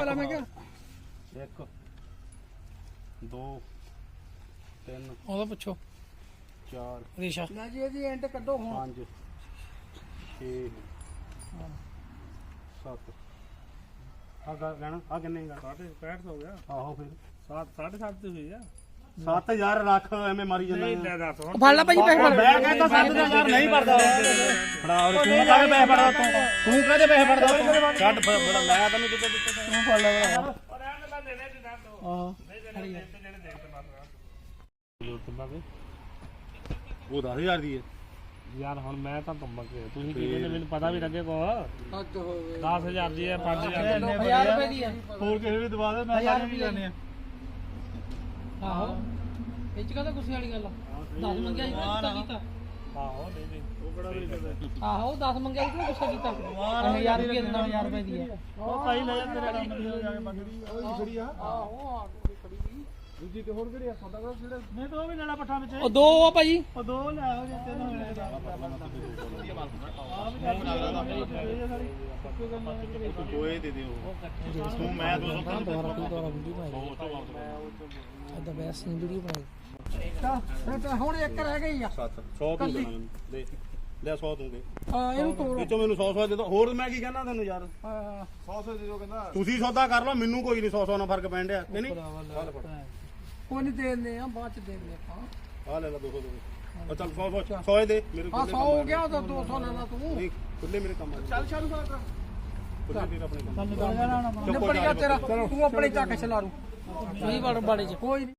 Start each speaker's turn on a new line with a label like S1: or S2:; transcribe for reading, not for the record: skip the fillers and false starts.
S1: ਲਾ ਮੈਂ ਕਿਹਾ
S2: 1 2 3
S1: ਉਹਦਾ ਪੁੱਛੋ
S2: 4
S1: ਰੀਸ਼ਾ
S3: ਨਾ ਜੀ ਇਹਦੀ ਐਂਡ ਕੱਢੋ ਹੁਣ
S2: 5 6 7 ਆ ਲੈਣਾ ਆ ਕਿੰਨੇ ਗਾ
S4: 65 ਹੋ ਗਿਆ
S2: ਆਹੋ ਫਿਰ
S4: 7.5 ਤੇ ਹੋਈ ਆ
S2: 7000 ਰੱਖ ਐਵੇਂ ਮਾਰੀ ਜਾਂਦਾ
S4: ਨਹੀਂ ਲੈ ਦੱਸ ਹੁਣ
S1: ਫੜ ਲੈ ਭਾਈ ਪੈਸੇ ਫੜ
S2: ਮੈਂ ਕਹਿੰਦਾ 7000 ਨਹੀਂ ਭਰਦਾ ਫੜਾ ਤੂੰ ਕਾਹਦੇ ਪੈਸੇ ਫੜਦਾ ਤੂੰ ਕਾਹਦੇ ਪੈਸੇ ਫੜਦਾ ਛੱਡ ਫੜਾ ਮੈਂ ਤੈਨੂੰ ਕਿੱਥੇ ਦਿੱਤੇ
S1: ਤੂੰ ਫੜ ਲੈ
S4: ਰਹਿਣ ਦੇ ਮੈਂ ਦੇਣੇ ਤੇ ਦੱਸ ਦੋ
S1: ਹਾਂ
S4: ਨਹੀਂ ਜਿਹੜੇ ਦੇ ਤੇ ਬਸ
S2: ਉਹ 10000 ਦੀ ਹੈ
S4: ਯਾਰ ਹੁਣ ਮੈਂ ਤਾਂ ਤੁੰਬਕ ਤੁਸੀਂ ਕਿਹਨੇ ਨੇ ਮੈਨੂੰ ਪਤਾ ਵੀ ਲੱਗੇ ਕੋ
S3: ਹੱਦ ਹੋਵੇ
S4: 10000 ਦੀ ਹੈ 5000 ਦੀ
S1: 1000 ਰੁਪਏ ਦੀ ਆ
S2: ਹੋਰ ਕਿਸੇ ਵੀ ਦਵਾ ਦੇ ਮੈਂ ਸਾਰੇ ਵੀ ਜਾਣੇ ਆ
S1: ਆਹੋ ਇਹ ਚ ਕਹਦਾ ਗੁੱਸੇ ਵਾਲੀ ਗੱਲ ਆ 10 ਮੰਗਿਆ ਸੀ ਤਾਂ ਗੁੱਸਾ ਕੀਤਾ
S4: ਆਹੋ ਨਹੀਂ ਨਹੀਂ ਉਹ ਬੜਾ ਵੀ
S1: ਆਹੋ 10 ਮੰਗਿਆ ਸੀ ਤਾਂ ਗੁੱਸਾ ਕੀਤਾ 1000 ਰੁਪਏ ਦਿੰਦਾ 1000 ਰੁਪਏ ਦੀ ਹੈ
S4: ਉਹ ਭਾਈ ਲੈ ਜਾਂਦੇ ਨੇ ਕੰਮ ਦੀ ਹੋ ਜਾ ਕੇ
S2: ਖੜੀ ਆ
S3: ਆਹੋ ਆ ਕੇ ਖੜੀ ਸੀ
S2: ਦੂਜੀ ਤੇ ਹੋਰ ਕਿਹੜੀ ਆ ਸਾਡਾ ਕੋਲ ਜਿਹੜੇ
S4: ਨਹੀਂ ਤਾਂ ਉਹ ਵੀ ਲੈਣਾ ਪੱਠਾ ਵਿੱਚ
S1: ਉਹ ਦੋ ਆ ਭਾਈ
S4: ਉਹ ਦੋ ਲੈ ਹੋ ਜਾਂ ਤਿੰਨ
S2: ਦੋਏ ਦੇ ਦਿਓ ਤੂੰ ਮੈਂ 200
S1: ਅੱਦਾ ਬੈਸ ਨਹੀਂ ਵੀਡੀਓ ਬਣਾਈ
S3: ਤਾਂ ਹੁਣ ਇੱਕ ਰਹਿ ਗਈ ਆ
S2: 7 100 ਤੂੰ ਦੇਣਾ ਮੈਨੂੰ ਦੇ ਲੈ 100 ਦੂੰਗੇ
S3: ਇਹਨੂੰ ਤੋੜ
S2: ਵਿੱਚੋਂ ਮੈਨੂੰ 100 ਦੇ ਦੋ ਹੋਰ ਮੈਂ ਕੀ ਕਹਿਣਾ ਤੈਨੂੰ ਯਾਰ 100 ਦੇ ਦਿਓ ਕਹਿੰਦਾ ਤੁਸੀਂ ਸੌਦਾ ਕਰ ਲਓ ਮੈਨੂੰ ਕੋਈ ਨਹੀਂ 100 ਨਾਲ ਫਰਕ ਪੈਣ ਡਿਆ ਕਿ ਨਹੀਂ
S3: ਕੋਈ ਨਹੀਂ ਦੇ ਦਿੰਦੇ ਆ ਬਾਅਦ ਚ ਦੇ ਦਿੰਦੇ ਆਪਾਂ
S2: ਆ ਲੈ ਲੈ 200 ਦੇ ਚੱਲ 100 ਦੇ ਮੇਰੇ
S3: ਆ
S2: ਕੋਲ
S3: 100 ਹੋ ਗਿਆ ਤਾਂ 200 ਲੈਣਾ ਤੂੰ
S2: ਨਹੀਂ ਖੁੱਲੇ ਮੇਰੇ ਕੰਮ ਆ
S3: ਚੱਲ ਸ਼ਾਰੂ ਕਰ
S2: ਖੁੱਲੇ ਫਿਰ ਆਪਣੇ ਕੰਮ
S3: ਨਿਬੜ ਗਿਆ ਤੇਰਾ ਤੂੰ ਆਪਣੇ ਚੱਕ ਛਲਾਰੂ
S1: ਨਹੀਂ ਵੜ ਬਾੜੇ ਚ
S3: ਕੋਈ ਨੀ।